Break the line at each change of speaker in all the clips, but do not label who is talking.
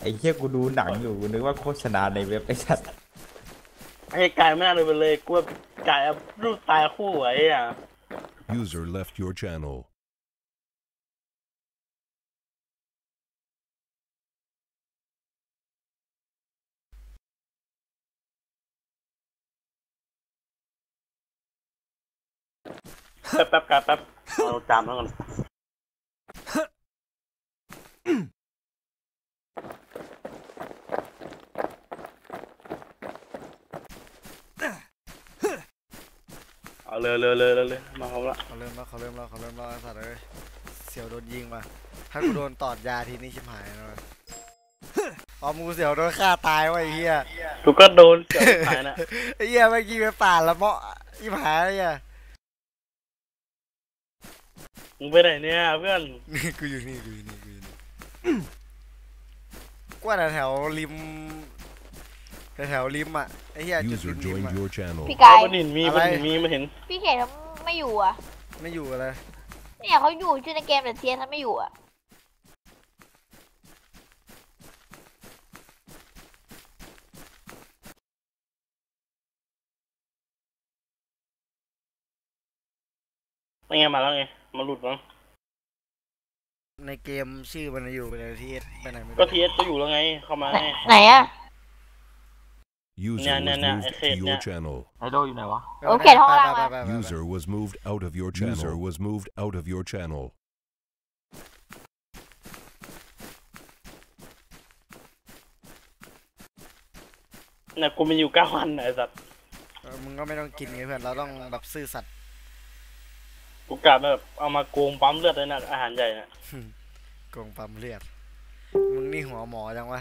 อ้เหี้ยกูดูหนังอยู่กูนึกว่าโฆษณาในเว็บไอ้สัตว์
ไอ้กายไม่น่าเลยไปเลยกูว่ากายรูปตายคู่ไอ้อ่ะ
User left your channel.
แป๊บกายแป๊บเอาจามแล้วก่อนเอาเลยมาเขาละ
เขาเริ่มแล้วสัตว์เลยเสียวโดนยิงมาถ้ากูโดนตอดยาทีนี้ชิบหายเลยอ๋อมูเสียวโดนฆ่าตายวะไอ้เหี้ย
กูก็โดนเสียวหายนะ
ไอ้เหี้ยเมื่อกี้ไปป่าละเมาะชิบหายเลยอ่ะ
มึงไปไหนเนี่ยเพื่อน
กูอยู่นี่กว่าแถวริมอ่ะไอ้เหี้ยจุด
User
ริม
joined
อ่ะ
your channel.
พี่กาย
มันเห็นมีมาเห็น
พี่เขตเขาไม่อยู่อ่ะ
ไม่อยู่อะไร
เนี่ยเขาอยู่ชื่อในเกมแต่เทียนเขาไม่อยู่อ่ะ
ไม่ไงมาแล้วไงมาหลุดมั้ง
ในเกมชื่อมันอยู่ไปไหนทีเอสไปไหนไม่รู้
ก็ทีเอสก็อยู่แล้วไงเข้ามา
ไหนอ่ะ
User was moved to your channel.
ไอโดอยู่ไหนวะ
โอเคท้องล่างมา
User was moved out of your channel. User was moved out of your channel.
เนี่ยกูมีอยู่9 วันไอ้สัตว์
มึงก็ไม่ต้องกินไงเพื่อนเราต้องแบบซื่อสัตย์
กูกะแบบเอามาโกงปั๊มเลือดเลยนะอาหารใหญ่น่ะ
โกงปั๊มเลือดมึงนี่หัวหมอจังวะ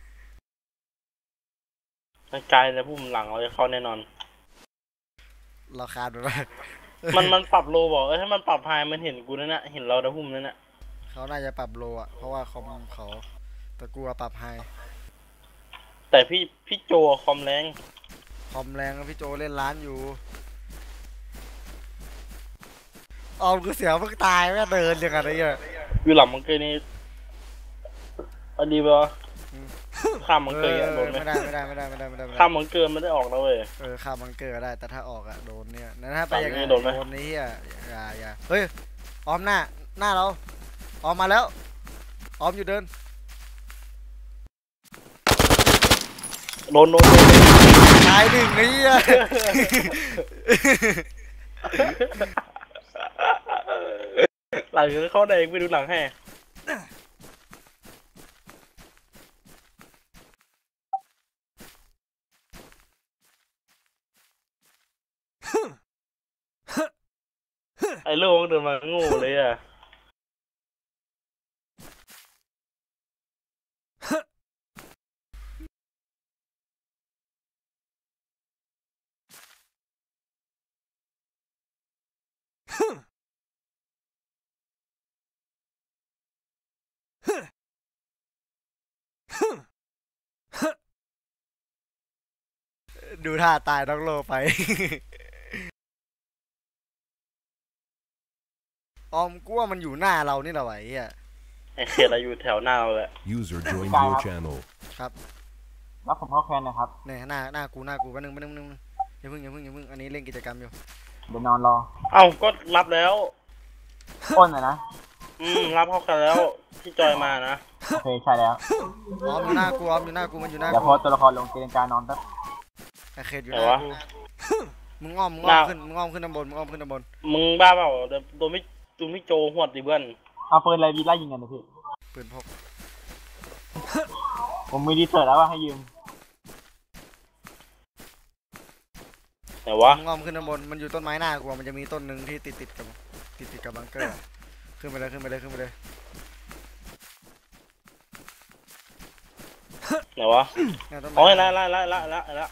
กายในพุ่มหลังเราจะเข้าแน่นอน
เราคาดไว้
มันปรับโลบอกถ้ามันปรับไฮมันเห็นกูนั่นน่ะเห็นเราในพุ่มนั่นน่ะ
เขาน่าจะปรับโลอ่ะเพราะว่าคอมเขาแต่กูปรับไฮ
แต่พี่โจคอมแรง
พี่โจเล่นร้านอยู่ออมกูเสียเพิ่งตายแม่เดินยังไงเนี่ย
อยู่หลังมังเกยนี่อดีป่ะข้ามมังเกยโดนไหม
ไม่ได้
ข้ามมังเกยไม่ได้ออกแล้วเว้ย
ข้ามมังเกยได้แต่ถ้าออกอะโดนเนี่ยนั่นถ้าไปอย่างนี้
โดน
นี้อ่ะอย่าเฮ้ยออมหน้าเราออมมาแล้วออมอยู่เดิน
โดน
ตายหนึ่งนี่อ่ะ
หลังเข้าแดงไปดูหลังให้ไอ้โล่งเดินมาโง่เลยอ่ะ
ดูท่าตายต้องโลไปออมกูว่ามันอยู่หน้าเรานี่แหละไ
ไอ้เขตเราอยู่แถวหน้าเราแหละ
User joined your channel.
ครับ
รับผมเข้าแคนนะครับ
เนี่ยหน้ากูแป๊บนึงอย่าเพิ่งอันนี้เล่นกิจกรรมอยู่
เดี๋ยวนอนรอ
เอ้าก็รับแล้ว
อ้นนะ
รับเข้ากันแล้วที่จอยมานะ
โอเคใช่แล้ว
ออมอยู่หน้ากูมันอยู่หน้ากู
เดี๋ยวพอตัวละครลงเกณฑ์การนอนแป๊บ
ไอเขตอยู่หน้ากูมึงอ้อมขึ้นด้านบน
มึงบ้าเปล่าตัวไม่โจหวดดิเพื่อน
เอาปืนอะไรดีไล่ยิงกันนะพี่
ปืนพก
ผมมีดีเซอร์แล้วว่าให้ยืม
แต่ว่า
มึงอ้อมขึ้นด้านบนมันอยู่ต้นไม้หน้ากูมันจะมีต้นหนึ่งที่ติดกับบังเกอร์ขึ้นไปเลย
ไหนวะโอ้ยละ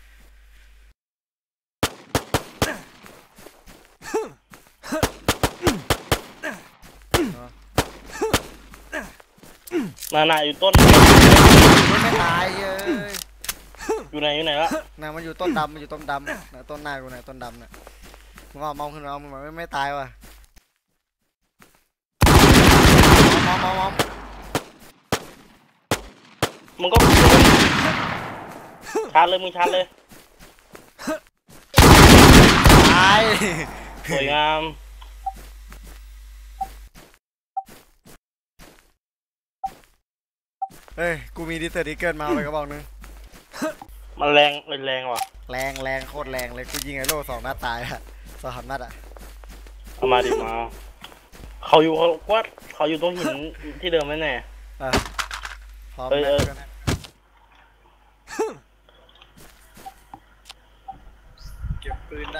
น่าอยู่ต้น
ไม่ตาย
อยู่ไหนละ
มันอยู่ต้นดำต้นหน้ากูต้นดำน่ะมึงมองขึ้นมามึงไม่ตายว่ะมอง
มึงก็ชาร์จเลยมึงชาร์จเลย
ตาย
สวยงาม
เฮ้ยกูมีดิเตอร์ดิเกิลมาเอาไปกระบอกนึง
มันแรงแรงว่ะ
แรงโคตรแรงเลยกูยิงไอ้โล่2 นัดตายอะ2 นัดอะ
เอามาดิมาเขาอยู่เขาอยู่ตรงหินที่เดิมแน่
พร้อม
เอ้ย
แล้ว
เอ้ย
เก็บปืนได้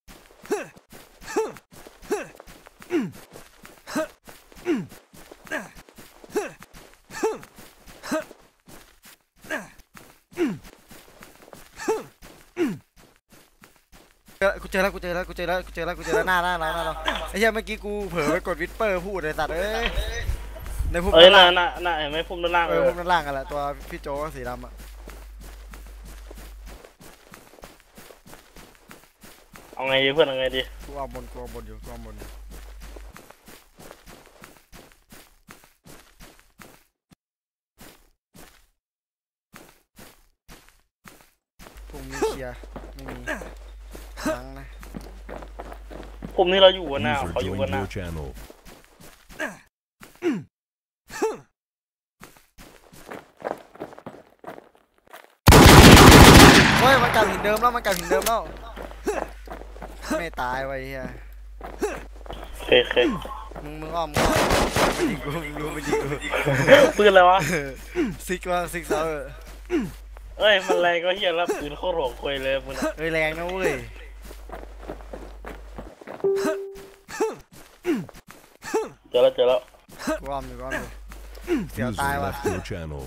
กูเจอแล้วหน้าเราไอ้เหี้ยเมื่อกี้กูเผลอไปกดวิสเปอร์พูดเลยสัตว์เอ้ยในพุ่ม
เอ้ย
ด้าน
น่ะ
ล่าง
น่ะเห็นไหมพุ่มด้านล่าง
พุ่มด้านล่างกันแหละตัวพี่โจสีดำอะ
เอาไงดีเพื่อนเอาไงดี
กูเอาบนอยู่พุ่มนี้เคลียร์ไม่มีทั้งนะ
พุ่มนี้เราอยู่กันหน้า
User
เขาอยู่
joined
กันหน้า
your channel.
เฮ้ยมันกลับหินเดิมแล้วไม่ตายไว้เฮีย
เคเค
มึงอ้อมมันยิงกูมึงรู้มันยิงกู
ปืนอะไรวะ
ซิกเซอร์
เอ้ยมันแรงก็เฮียแล้วปืนโคตรโหดคุยเลยมึงอะ
เฮ้ยแรงนะเว้ย
เจอแล้ว
กูอ้อมอยู่เสียว
User
ตายว่ะ
left your channel.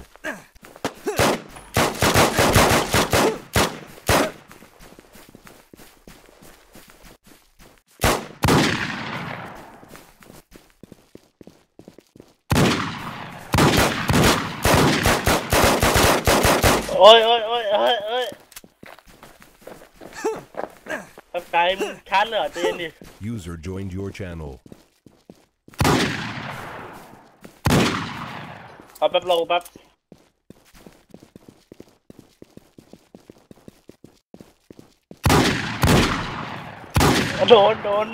โอ้ยแป๊บไกลมึงชาร์จเลยเหรอใจเย็นดิ
User joined your channel.
เอาแป๊บเราแป๊บโดน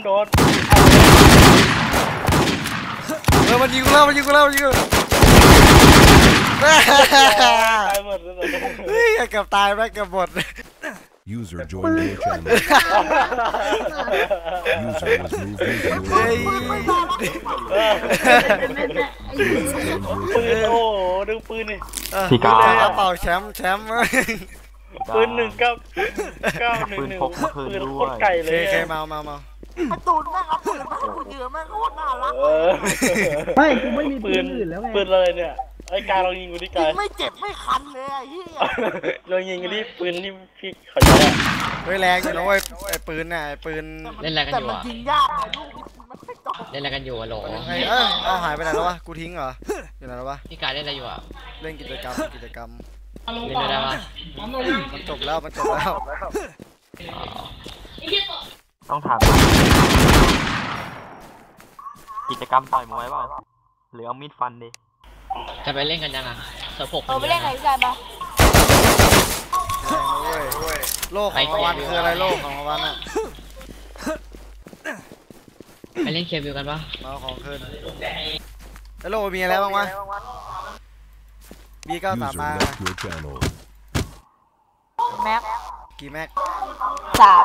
มันยิงกูแล้ว
ตายหมดเลย
เฮ้ยเกือบตายไปเกือบหมด
User joined your channel. User was moved into your channel.
ปืนโอ้โหดึงปืนนี่
พี่กา
เป่าแชมป์
ปืน1 9 1
ปืน
1
พกมาคืน
ปืน
ด้
โค
ว
ตร
ย
ไกลเลย
เค
เนี่ย
เมา
ตูนแม่งเอาปืนมาให้กูยืมแม่งโคตรน่ารัก
ไม่กูไม่มีปืนอื่นแล้วไงปืนอะไรเนี่ยไอ้กายลองยิงกูดิ
ยิ
กาย
งไม่เจ็บไม่คันเลยไอ้เหี้ย
ลองยิงกูดิปืนที่พี่เขาใช้อะ
เฮ้ยแรงอยู่นะเว้ยไอ้ปืนน่ะไอ้ปืน
เล่นอะไรกัน
แต่
อยู่
มัน
อ่ะ
ยิงยากไอ้ลูกมันไม่ตก
เล่นอะไรกันอยู่อะโหล
เอาหายไปไหนแล้ววะกูทิ้งเหรออยู่ไหนแล้ววะ
พี่กายเล่นอะไรอยู่อ่ะ
เล่นกิจกรรม
เล่นด้วยได้ปะ
มันจบแล้ว
ต้องถามกิจกรรมต่อยมวยเปล่าหรือเอามีดฟันดิ
จะไปเล่นกันยังอ่ะเสิร์ฟหก
ไปเล่นไหนพี่กายปะ
โลกของรางวัลคืออะไรโลกของรางวัลอะ
ไปเล่นเคบิวกันปะ
เอาของคืนแล้วโลกมีอะไรบ้างวะ B93
User
มา
left your channel.
แม็ก
กี่แม็ก
3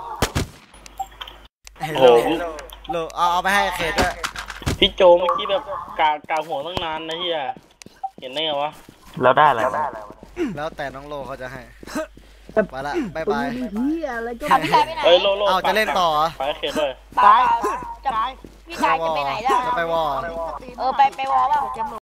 โอ้โห
โลเอาไปให้เขตด้วย
พี่โจเมื่อกี้แบบกาหัวตั้งนานนะเฮียเห็นได้ไงวะ
แล้วได้อะไร
แล้วแต่น้องโลเขาจะให้ไปละบายบาย
เอาพี่กายไปไหน
เอ้ยโล
เอาจะเล่นต่อ
ไปเขตด้วย
เปล่าจะพี่กายจะไปไหนล่ะ
จะไปวอ
ไปวอลเปล่า
เกม